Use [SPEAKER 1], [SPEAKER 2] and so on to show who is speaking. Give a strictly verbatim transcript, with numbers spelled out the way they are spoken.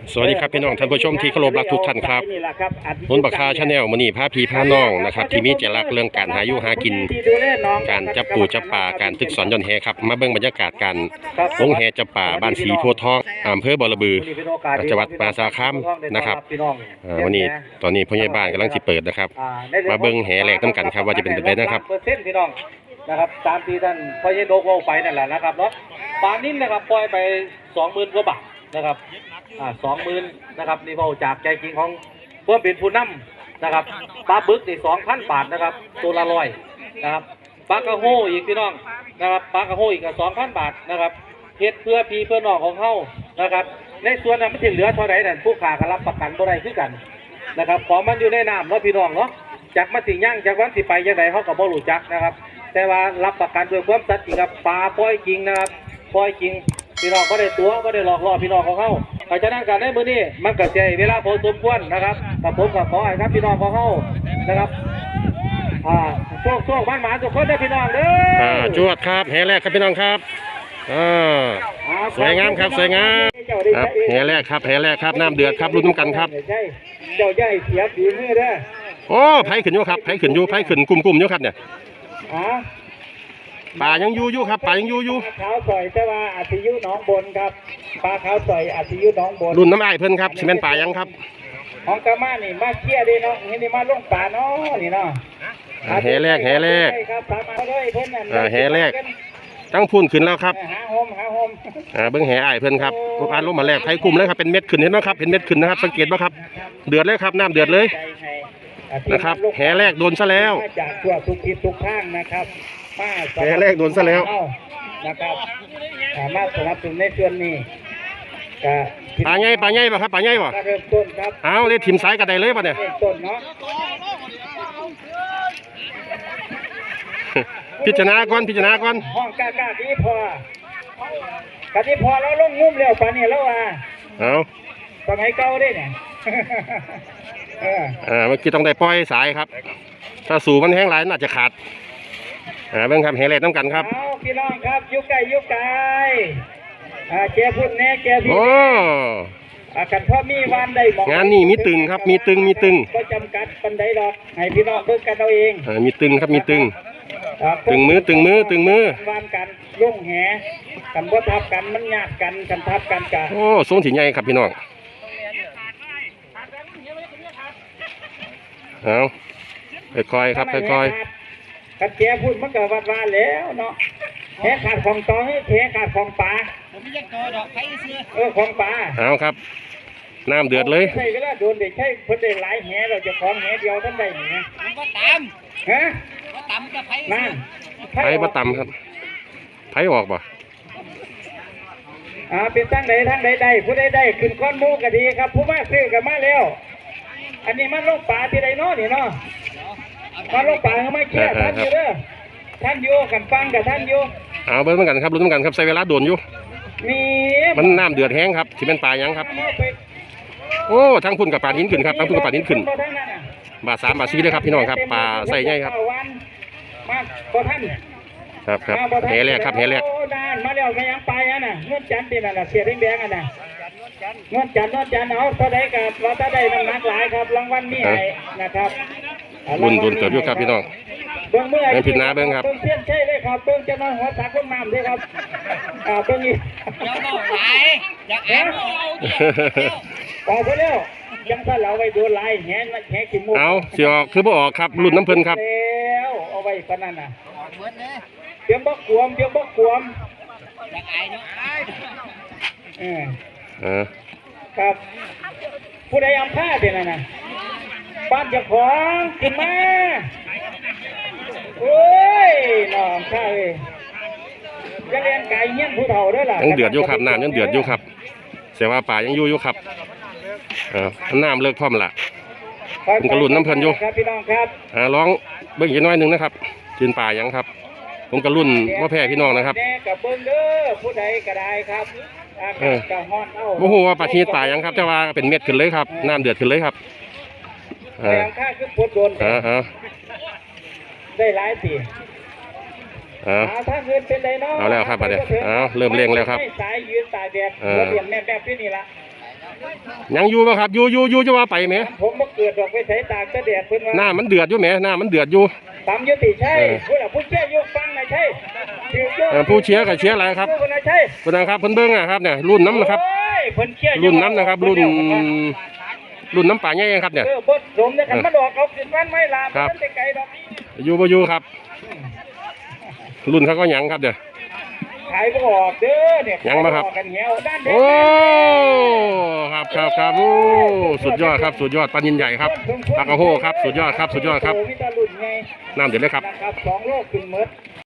[SPEAKER 1] สวัสดีครับพี่น้องท่านผู้ชมที่เคารพรักทุกท่านครับนุ่นบักคาชาแนลมื้อนี้พาพี่พาน้องนะครับที่มีเจรักเรื่องการหาอยู่หากินการจับปูจับปลาการตึกสอนย่อนแหครับมาเบิ่งบรรยากาศการลงแหจับปลาบ้านสีโพธิ์ทองอำเภอบ่อระบือจังหวัดมหาสารคามนะครับวันนี้ตอนนี้พ่อใหญ่บ้านกำลังสิเปิดนะครับมาเบิ่งแหแหลกน้ำกันครับว่าจะเป็นแบบไหนนะครับ
[SPEAKER 2] เปอร์เซ็นต์พี่น้องนะครับตามที่ท่านพ่อใหญ่โดกเอาไปนั่นแหละนะครับเนาะปลานิ่มนะครับปล่อยไปสองหมื่นกว่าบาทนะครับอ่าสองหมื่นนะครับนี่พอจากใจจริงของเพื่อเป็นผู้นำนะครับปลาบึกนี่สองพันบาทนะครับตัวละร้อยนะครับปลากระโฮอีกพี่น้องนะครับปลากระโฮอีกก็สองพันบาทนะครับเฮ็ดเพื่อพี่เพื่อน้องของเขานะครับในส่วนนั้นมันจะเหลือเท่าไหร่นั่นผู้ขาก็รับประกันบ่ได้คือกันนะครับของมันอยู่ในน้ำเนาะพี่น้องเนาะจากมาสิย่างจากวันสิไปยังไงเขาก็บ่รู้จักนะครับแต่ว่ารับประกันด้วยความสัตย์จริงครับปลาปล่อยจริงนะครับปล่อยจริงพี่น้องก็ได้ตัวก็ได้หลอกล่อพี่น้องของเขาเพราะฉะนั้นการในมือนี้มันก็ใช้เวลาพอสมควรนะครับกับผมกับขอให้ครับพี่น้องของเขานะครับอ่าโชคโชคบ้านหมาทุกคนได้พี่น้องเด้อ
[SPEAKER 1] อ่าจวดครับแหแรกครับพี่น้องครับอ่าสวยงามครับสวยงามครับแหแรกครับแหแรกครับน้ำเดือดครับรุ่นน้ำกันครับ
[SPEAKER 2] เจ้าใหญ่เสียบดีมือเด้อ
[SPEAKER 1] โอ้ไผ่ขึ้นอยู่ครับไผ่ขึ้นอยู่ไผ่ขึ้นกลุ่มๆอยู่ครับเนี่ยปลายังอยู่อยู่ครับปลายังอยู่อยู่
[SPEAKER 2] ขาวสอยแต่ว่าอาทิยุน้องบนครับปลาขาวสอยอาทิยุน้องบน
[SPEAKER 1] รุ่นน้ำไอเพิ่นครับซีเมนต์ปลายังครับ
[SPEAKER 2] ของกามานี่มาเคี่ยดีเนาะนี่มาลงปลาเนาะนี่เนาะ
[SPEAKER 1] แหแรกแหแรกอ่าแหแรกตั้งพุ่นขึ้นแล้วครับ
[SPEAKER 2] หาโฮมหาโฮม
[SPEAKER 1] อ่าเบิ้งแหไอเพิ่นครับอ่านลงมาแรกไผ่กลุ่มเลยครับเป็นเม็ดขึ้นเห็นไหมครับเป็นเม็ดขึ้นนะครับสังเกตไหมครับเดือดเลยครับน้ำเดือดเลยนะครับแหแรกโดนซะแล้ว
[SPEAKER 2] จากทั่วทุกทิศทุกข้างนะครับ
[SPEAKER 1] แหแรกโดนซะแล้ว
[SPEAKER 2] นะครับมาสนับสนุนในส่วนนี้
[SPEAKER 1] ปลาใหญ่ปลาใหญ่ป่ะครับปลาใหญ่ป่ะ
[SPEAKER 2] เริ่มต้นครับ
[SPEAKER 1] เอาเลยถิ่มสายกระไดเลยป่ะเนี่ย
[SPEAKER 2] เริ่มต้นเนาะ
[SPEAKER 1] พิจารณาก่อนพิจารณาก่อน
[SPEAKER 2] ห้องกากาดีพอกะดีพอแล้วลงงุ้มเร็วปลาเนี่ยแล้วอ่ะ
[SPEAKER 1] เอา
[SPEAKER 2] สมัยเก่าได้เนี่ย
[SPEAKER 1] อ่าเมื่อกี้ต้องได้ปล่อยสายครับถ้าสูบมันแห้งไหลน่าจะขาดอ่าเบิ่งครับแหแรกน้ำกันครับ
[SPEAKER 2] เอาพี่น้องครับยุกไก่ยุกไก่อ่าเจ้าพุ่นแน่เจ้าพี่
[SPEAKER 1] โอ้
[SPEAKER 2] อากันพ่อมีวันได้
[SPEAKER 1] งานนี่มีตึงครับมีตึงมีตึง
[SPEAKER 2] ก็จำกัดปันไดดอกให้พี่น้องเบิ่งกันเอาเอง
[SPEAKER 1] อ่ามีตึงครับมีตึงตึงมือตึงมือตึงมือ
[SPEAKER 2] วันกันลุ่งแหกันบ่ทับกันมันยากกันกันทับกันกะ
[SPEAKER 1] โอ้ทรงถี่ใหญ่ครับพี่น้องเอาค่อยๆครับค่อย
[SPEAKER 2] ๆกันแก่พูดมันก็วัดวาแล้วเนาะแหขาดของตองแหขาดของปลาเออของปลา
[SPEAKER 1] เอาครับน้ำเดือดเลย
[SPEAKER 2] ใช่ก็ได้โดนเด็กใช่เพิ่นได้หลายแหเราจะของแหเดียวท่านได้เนี่ยมันก็ตามฮะก็ตามจะไผ่นั่น
[SPEAKER 1] ไผ่มาตำครับไผ่ออกป่ะ
[SPEAKER 2] อ่าเป็นทั้งใดทั้งใดใดผู้ใดได้ขึ้นก้อนมูก็ดีครับผู้มาซื้อกันมาแล้วอันนี้มันลงป่าที่ใดเนาะนี่เนาะมาลงป่าเขาไม่เชื่อท่านอยู่เด้อท่านอยู่กันฟังกับท่านอยู่
[SPEAKER 1] เอาเบิ้ลเหมือนกันครับรุ่นเหมือนกันครับใช้เวลาโดนอยู่
[SPEAKER 2] มี
[SPEAKER 1] มันน้ำเดือดแห้งครับที่เป็นปลายังครับโอ้ทั้งพุ่นกับปลาหินขึ้นครับทั้งพุ่นกับปลาหินขึ้นบาทสามบาทสี่เลยครับพี่น้องครับปลาใส่ใหญ่ครับ
[SPEAKER 2] มาพอท่าน
[SPEAKER 1] ครับครับแหแรกครับแหแรก
[SPEAKER 2] มาแล้วไม่ยังไปอ่ะน่ะเงื่อนจันทร์นี่น่ะเสียแดงๆอ่ะน่ะเงื่อนจันทร์เงื่อนจันทร์เอาถ้าได้กับเราถ้าได้น้ำหนักหลายครับรางวัลนี่นะครับ
[SPEAKER 1] รุ่นรุ่นเกิดอยู่ครับพี่น้อง
[SPEAKER 2] เบื้องเมื่อ
[SPEAKER 1] ไอ้ผิดนาเบื้องครับ
[SPEAKER 2] เบื้องเทียนใช่เลยครับเบื้องจะมาหัวตาคนน้ำด้วยครับอ่าเบื้องนี้เดี๋ยวบอกไหลอยากแอบออกไปแล้วยังถ้าเราไปโดนไหลแหนแหนกินมุก
[SPEAKER 1] เอาเสียออกคือบ่ออกครับรุ่นน้ำเพลินครับ
[SPEAKER 2] แล้วเอาไว้ปนันน่ะเตรียมบกขวมเตรียมบกขวมอยากไอ้เนาะเออเออครับผู้ใดอำผ้าเป็นอะไรนะบ้านเจ้าของกินมาโอ้ยน้องข้าเลยจะเลี้ยงไก่เงี้ยผู้เฒ่าด้วยล่ะ
[SPEAKER 1] ยังเดือดอยู่ครับน้ำยังเดือดอยู่ครับเสียว่าป่ายังอยู่อยู่ครับเออน้ำเลิกพร้อมละมันกระลุ่นน้ำเพลินอยู่
[SPEAKER 2] ครับพี่น้องครับ
[SPEAKER 1] อ่าร้องเบิ้งอีกน้อยหนึ่งนะครับกินป่ายังครับผมกระลุ่นว่าแพ้พี่น้องนะครับ
[SPEAKER 2] กับเบิ้งเด้อผู้ใดก็ได้ครับ
[SPEAKER 1] เออโอ้โหว่าปลาชีป่ายังครับแต่ว่าเป็นเม็ดขึ้นเลยครับน้ำเดือดขึ้นเลยครับ
[SPEAKER 2] แรงค่าคือปวดโดนได้หลายปี
[SPEAKER 1] เอา
[SPEAKER 2] ถ้าเงินเป็นไรเนาะ
[SPEAKER 1] เอาแล้วครับประเดี๋ยวเอาเริ่มเร่งแล้วครับ
[SPEAKER 2] สายยืนสายแดดระเบียบแม่แบบที่นี่ละ
[SPEAKER 1] ยังอยู่ป่ะครับอยู่อยู่อยู่จะว่าไปไหม
[SPEAKER 2] ผมมาเกิดดอกไปใช้ตากตะแดดเพิ่นว่า
[SPEAKER 1] หน้ามันเดือดอยู่ไหมหน้ามันเดือดอยู่
[SPEAKER 2] ตามยุติใช่
[SPEAKER 1] เออ
[SPEAKER 2] ผู้หลักผู้เชี่ยวยกฟังหน่อยใช่ถือยก
[SPEAKER 1] เออผู้เชียร์กับเชียร์อะไรครับ
[SPEAKER 2] ผู้น่ะใช่
[SPEAKER 1] คุณนะครับเพิ่นเบิ้งอะครับเนี่ยรุ่นน้ำนะครับ
[SPEAKER 2] โอ้ยเพิ่นเชี่ย
[SPEAKER 1] รุ่นน้ำนะครับ รุ่นรุ่นน้ำป่าใหญ่ครับเนี่ย
[SPEAKER 2] เออบดสมเนี่ยคันมาดอกเอาขึ้นบ้านไม่ลาม
[SPEAKER 1] ครับ
[SPEAKER 2] มันจะไกลดอก
[SPEAKER 1] อยู่บ่อยู่ครับ รุ่นเขาก็หยังครับเดี๋ยว
[SPEAKER 2] ขายบ่ออกเด้อเนี่ย
[SPEAKER 1] ยังมาครับ
[SPEAKER 2] ขยออกกันเหี่ยวด้านเด็
[SPEAKER 1] โอ้ครับครับครับโอ้สุดยอดครับสุดยอดปลานินใหญ่ครับปลากระโฮครับสุดยอดครับสุดยอดครับ
[SPEAKER 2] โมีแตารุ่นไง
[SPEAKER 1] น้ำเดือดเลยครับ
[SPEAKER 2] นะครับสองโลขึ้นหมด